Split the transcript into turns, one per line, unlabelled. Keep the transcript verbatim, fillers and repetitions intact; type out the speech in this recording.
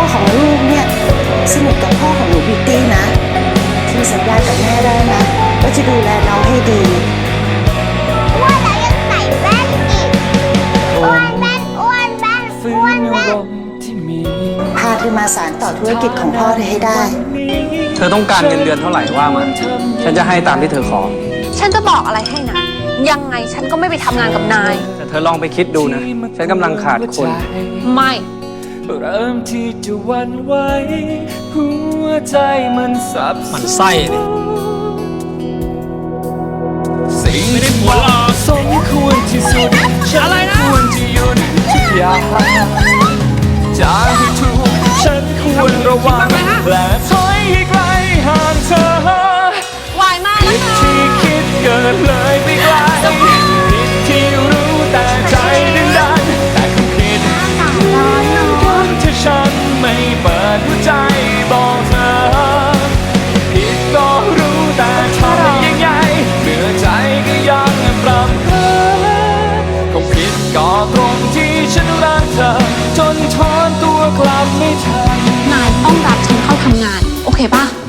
ของลูกเนี่ยสนิทกับพ่อของหนูบิวตี้นะที่สัญญากับแม่ได้นะว่าจะดูแลน้องให้ดี
อ้วนแล้วยังใส่แว่นอีกอ้วนแว่นอ้วนแว่นอ้วนแว่น
พาเธอมาสานต่อธุรกิจของพ่อเธอให้ได้
เธอต้องการเงินเดือนเท่าไหร่ว่ามาฉันจะให้ตามที่เธอขอ
ฉันจะบอกอะไรให้นะยังไงฉันก็ไม่ไปทำงานกับนาย
แต่เธอลองไปคิดดูนะฉันกำลังขาดคน
ไม่
เริ่มที่จะวันไหวหัวใจมันสับสนมันไส้เลยสิ่งที่เหมาะสมควรที่สุดฉันควรจะหยุดทุกอย่างจะให้ถูกฉันควรระวังและถอยให้ไกลห่างเธอ
วายมากแล้วค่ะ
ที่คิดเกินเลยไปไกลผิดที่รู้แต่ใจดึงดันแต่คงผิดที่ฉันไม่เปิดหัวใจบอกเธอผิดก็รู้แต่ทำยังไงเมื่อใจก็ยังปรำเพ้อคงผิดก็ตรงที่ฉันรักเธอจนถอนตัวกลับไม่ทัน
นายต้องรับฉันเข้าทำงานโอเคป่ะ